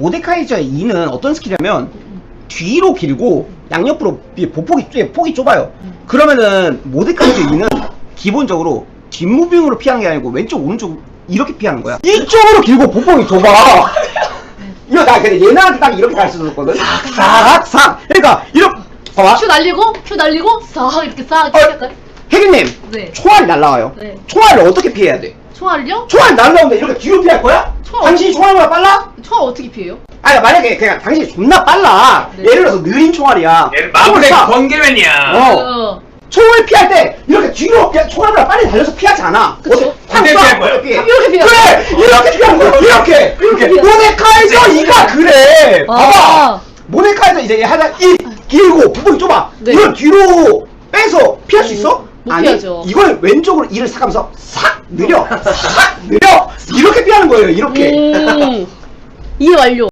모데카이저의 2는 어떤 스킬이냐면 뒤로 길고 양옆으로 폭이 좁아요. 그러면은 모데카이저 2는 기본적으로 뒷무빙으로 피하는 게 아니고 왼쪽 오른쪽 이렇게 피하는 거야. 이쪽으로 길고 보폭이 좁아. 이거 나 근데 얘네한테 딱 이렇게 가르쳐줬거든. 싹. 그러니까 이렇게 봐봐. 큐 날리고 싹 이렇게 싹 할까요? 혜기님, 네. 총알이 날라와요. 네. 총알을 어떻게 피해야 돼? 총알이요? 총알 날라오는데 이렇게 뒤로 피할 거야? 총알 당신이 총알보다 빨라? 총알 어떻게 피해요? 아니 만약에 그냥 당신이 존나 빨라. 네. 예를 들어서 느린 총알이야. 얘는 마블의 총을 쏴. 번개맨이야. 총을 피할 때 이렇게 뒤로 그냥 총알보다 빨리 달려서 피하지 않아. 그쵸. 어떻게 피할 거야? 어떻게 피해? 이렇게 피해. 그래! 이렇게 피하는 거야. 이렇게! 피해. 모데카이저 2가 그래! 아. 봐봐! 모데카이저 이제 하나 길고 부분이 좁아. 네. 이걸 뒤로 빼서 피할 수 있어? 못 아니, 피하죠. 이걸 왼쪽으로 이를 싹 하면서 싹 느려! 싹 느려! 이렇게 피하는 거예요. 이렇게. 이해 완료.